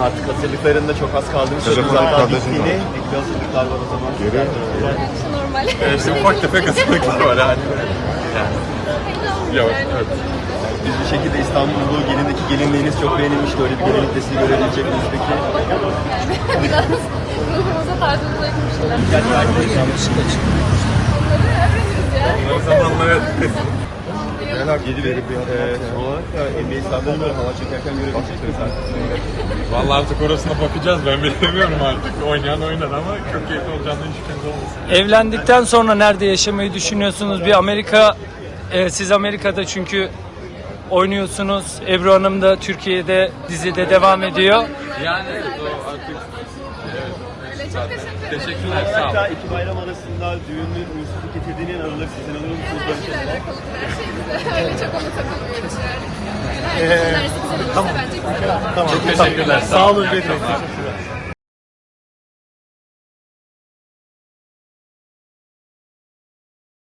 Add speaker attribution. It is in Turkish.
Speaker 1: Artık hazırlıklarında çok az kaldığını
Speaker 2: Telefon
Speaker 1: söylüyoruz. Hatta
Speaker 2: arkadaşın
Speaker 1: bittiğini.
Speaker 2: var.
Speaker 1: Ekli hazırlıklar var o zaman.
Speaker 2: Geri.
Speaker 3: Normal.
Speaker 4: İşte ufak tefek hazırlıklar var hani. Yavaş, evet.
Speaker 1: Biz bir şekilde İstanbul'u gelindeki gelinliğiniz çok beğenilmişti. Öyle bir gelinlik desteği görebilecek miyiz peki?
Speaker 3: Biraz ruhumuza tarzımıza yakınmışlar.
Speaker 1: Yanlışlıkla çıktı.
Speaker 3: Onları öğreniriz ya.
Speaker 4: O zamanlar evet.
Speaker 1: Yeni bir olarak da NBA sahasında hava çekerken görebilecek miyiz artık?
Speaker 4: Vallahi artık orasına bakacağız, ben bilemiyorum artık. Oynayan oynar ama çok keyifli olacağından hiç şüpheniz olmasın.
Speaker 5: Evlendikten sonra nerede yaşamayı düşünüyorsunuz? Bir Amerika, siz Amerika'da çünkü oynuyorsunuz. Ebru Hanım da Türkiye'de dizide devam ediyor.
Speaker 4: Yani evet, o artık...
Speaker 3: Öyle çok teşekkür ederim.
Speaker 4: Teşekkürler, sağ olun.
Speaker 1: Hatta iki bayram arasında düğünün uğursuzluk getirdiğini inanılır. Sizin alır mısınız?
Speaker 3: Enerjiyle alakalı her şey bize. Öyle çok ona takılmıyoruz yani. Herkesin enerjisi güzel olursa bence güzel olur.
Speaker 4: Çok teşekkürler, sağ olun.
Speaker 1: Çok teşekkürler.